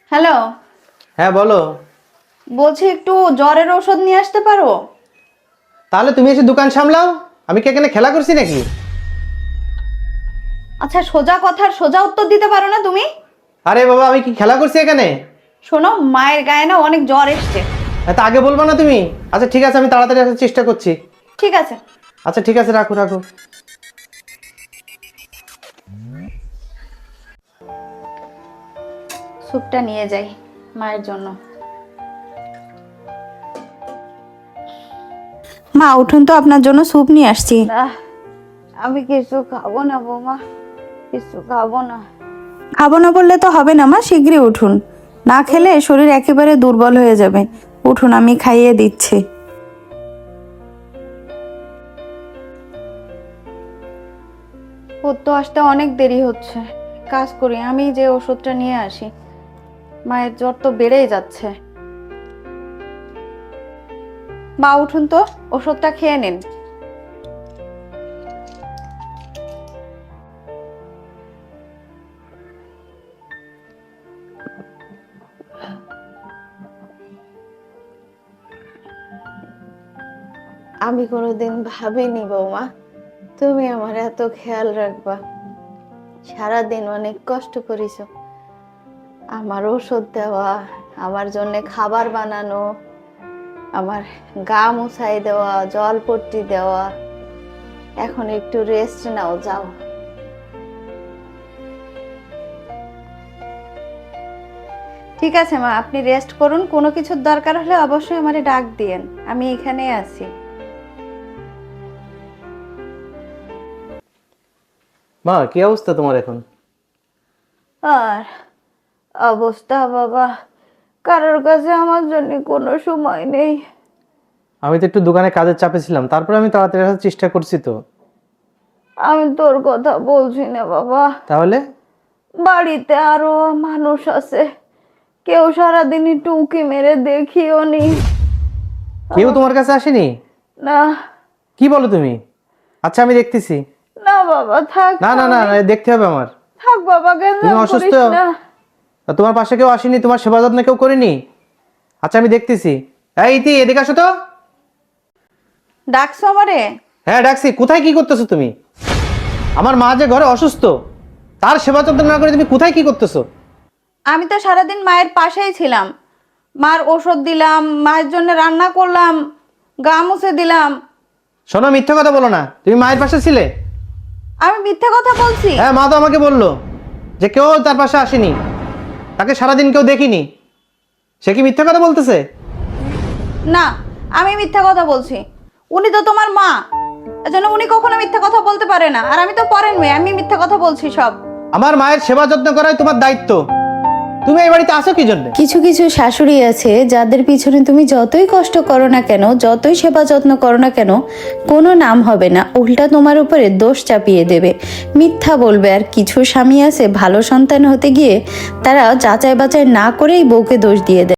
Hello. হ্যাঁ বলো। বলছি একটু জ্বরের ওষুধ নিয়ে আসতে পারো? তাহলে তুমি এসে দোকান সামলাও, আমি কি এখানে খেলা করছি নাকি? আচ্ছা, সোজা কথার সোজা উত্তর দিতে পারো না তুমি? আরে বাবা, আমি কি খেলা করছি এখানে? শোনো, মায়ের গায়ে না অনেক জ্বর এসছে। এত আগে বলবো না তুমি? আচ্ছা ঠিক আছে, আমি তাড়াতাড়ি আসার চেষ্টা করছি। ঠিক আছে। আচ্ছা ঠিক আছে, রাখো রাখো। স্যুপটা নিয়ে যাই মায়ের জন্য। মা উঠুন তো, আপনার জন্য স্যুপ নিয়ে আসছি। আমি কিছু খাবো না বৌমা, কিছু খাবো না। খাবো না বললে তো হবে না মা, শীঘ্রই উঠুন। না খেলে শরীর একেবারে দুর্বল হয়ে যাবে। উঠুন, আমি খাইয়ে দিচ্ছি। ওর তো আসতে অনেক দেরি হচ্ছে। কাজ করি, আমি যে ওষুধটা নিয়ে আসি। মায়ের জ্বর তো বেড়েই যাচ্ছে। মা উঠুন তো, ওষুধটা খেয়ে নিন। আমি কোনোদিন ভাবিনি বৌমা তুমি আমার এত খেয়াল রাখবা। সারাদিন অনেক কষ্ট করিস, আমার ওষুধ দেওয়া, আমার জন্য খাবার বানানো, আমার গা মুছাই দেওয়া, জলপট্টি দেওয়া। এখন একটু রেস্ট নাও, যাও। ঠিক আছে মা, আপনি রেস্ট করুন। কোনো কিছুর দরকার হলে অবশ্যই আমারে ডাক দিয়েন, আমি এখানেই আছি। মা, কি অবস্থা তোমার এখন? আর অবস্থা বাবা, কারোর কাছে আমার জন্য কোনো সময় নেই। আমি তো একটু দোকানে কাজের চাপে ছিলাম, তারপরে আমি তাড়াতাড়ি আসার চেষ্টা করছি তো। আমি তোর কথা বলছি না বাবা, তাহলে? বাড়িতে আরো মানুষ আছে, কেউ সারাদিন একটু উঁকি মেরে দেখিও নি। কেউ তোমার কাছে আসেনি? না কি বলো তুমি? আচ্ছা আমি দেখতেছি। না বাবা, থাক। না না না না, দেখতে হবে আমার। থাক বাবা, কেন তুমি অসুস্থ? করিস না। আর তোমার পাশে কেউ আসেনি? তোমার সেবা যত্ন কেউ করেনি? আচ্ছা আমি দেখতেছি। এই ইতি, এদিকে আসো তো। ডাকছো আমারে? হ্যাঁ ডাকছি। কোথায় কি করতেছো তুমি? আমার মা যে ঘরে অসুস্থ, তার সেবা যত্ন না করে তুমি কোথায় কি করতেছো? আমি তো সারাদিন মায়ের পাশেই ছিলাম। মার ওষুধ দিলাম, মায়ের জন্য রান্না করলাম, গা মুছে দিলাম। শোনো, মিথ্যা কথা বলো না। তুমি মায়ের পাশে ছিলে? আমি মিথ্যা কথা বলছি? হ্যাঁ, মা তো আমাকে বললো যে কেউ তার পাশে আসেনি, তাকে সারাদিন কেউ দেখিনি। সে কি মিথ্যা কথা বলতেছে? না, আমি মিথ্যা কথা বলছি। উনি তো তোমার মা, এজন্য উনি কখনো মিথ্যা কথা বলতে পারে না। আর আমি তো পরের মেয়ে, আমি মিথ্যা কথা বলছি সব? আমার মায়ের সেবা যত্ন করাই তোমার দায়িত্ব। তুমি এই বাড়িতে আসো কি জন্য? কিছু কিছু শাশুড়ি আছে যাদের পিছনে তুমি যতই কষ্ট করো না কেন, যতই সেবা যত্ন করো না কেন, কোনো নাম হবে না, উল্টা তোমার উপরে দোষ চাপিয়ে দেবে, মিথ্যা বলবে। আর কিছু স্বামী আছে ভালো সন্তান হতে গিয়ে তারা যাচাই বাছাই না করেই বউকে দোষ দিয়ে দেয়।